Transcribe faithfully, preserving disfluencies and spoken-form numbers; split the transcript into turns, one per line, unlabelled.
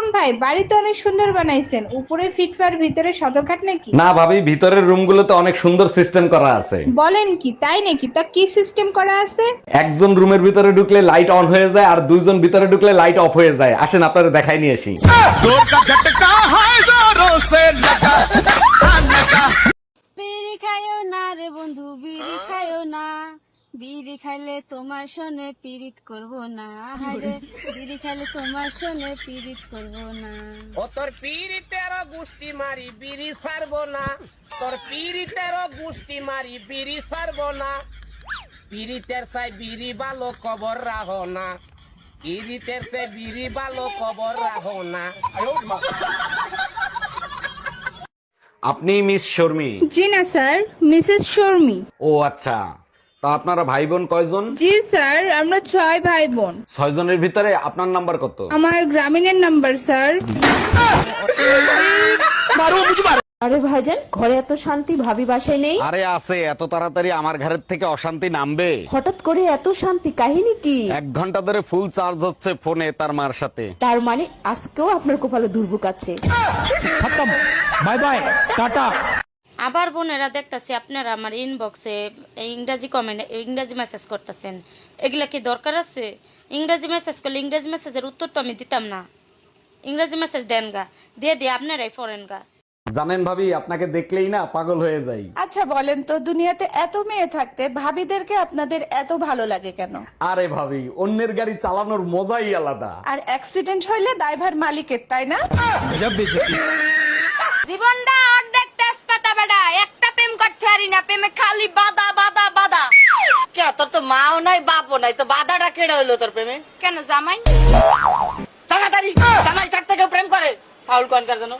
ভাই বাড়ি তো অনেক সুন্দর বানাইছেন, উপরে ফিটফার ভিতরে সদরঘাট নাকি?
না ভাবি, ভিতরের রুমগুলোতে অনেক সুন্দর সিস্টেম করা আছে।
বলেন কি, তাই নাকি? তা কি সিস্টেম করা আছে?
একজন রুমের ভিতরে ঢুকলে লাইট অন হয়ে যায় আর দুইজন ভিতরে ঢুকলে লাইট অফ হয়ে যায়। আসেন আপনারা দেখাই নিয়ে আসি।
বিড়ি খাইও না রে বন্ধু, বিড়ি খাইও না, বিড়ি খাইলে তোমার সনে পিরিত করব না। হারে বিড়ি খাইলে তোমার সনে পিরিত করব না।
ও তোর পিরিতের গুষ্টি মারি বিড়ি ছাড়বো না, তোর পিরিতের গুষ্টি মারি বিড়ি ছাড়বো না, পিরিতের চাই বিড়ি ভালো কবর রাখো না, পিরিতের চাই বিড়ি ভালো কবর রাখো না।
আপনি মিস শর্মি?
জি না স্যার, মিসেস শর্মি।
ও আচ্ছা, তা আপনারা ভাই বোন কয়জন?
জি স্যার, আমরা ছয় ভাই বোন।
ছয় জনের ভিতরে আপনার নাম্বার কত?
আমার গ্রামীণের নাম্বার স্যার।
আরে ভাইজান, ঘরে এত শান্তি, ভাবি বাসায় নেই?
আরে আছে, এত তাড়াতাড়ি আমার ঘরের থেকে অশান্তি নামবে?
হঠাৎ করে এত শান্তি, কাহিনী কি?
এক ঘন্টা ধরে ফুল চার্জ হচ্ছে ফোনে তার মার সাথে।
তার মানে আজকেও আপনার কপালে দুর্ভোগ আছে।
আবার বোনেরা দেখতাছি আপনারা আমার ইনবক্সে ইংরাজি কমেন্ট, ইংরাজি মেসেজ করতেছেন। এগুলা কি দরকার আছে? ইংরাজি মেসেজ করলে ইংরাজি মেসেজের উত্তর তো আমি দিতাম না। ইংরাজি মেসেজ দেন গা, দিয়ে দিয়ে আপনারাই ফরেন গা।
জানেন ভাবি, আপনাকে দেখলেই না পাগল হয়ে যাই।
আচ্ছা বলেন তো, দুনিয়াতে এত মেয়ে থাকতে ভাবিদেরকে আপনাদের এত ভালো লাগে কেন?
আরে ভাবি, অন্যের গাড়ি চালানোর মজাই আলাদা।
আর অ্যাক্সিডেন্ট হইলে দায়ভার মালিকের, তাই না?
জীবনটা অর্ধেক তেজপাতা বেটা, একটা প্রেম করতে পারি না, প্রেমে খালি বাদা বাদা বাদা।
কে তোর তো মাও নাই বাপও নাই, তো বাধাটা কেড়ে হইলো তোর প্রেমে?
কেন জামাই?
তাড়াতাড়ি জামাই থাকতে কেউ প্রেম করে? ফাউল কনকার জন্য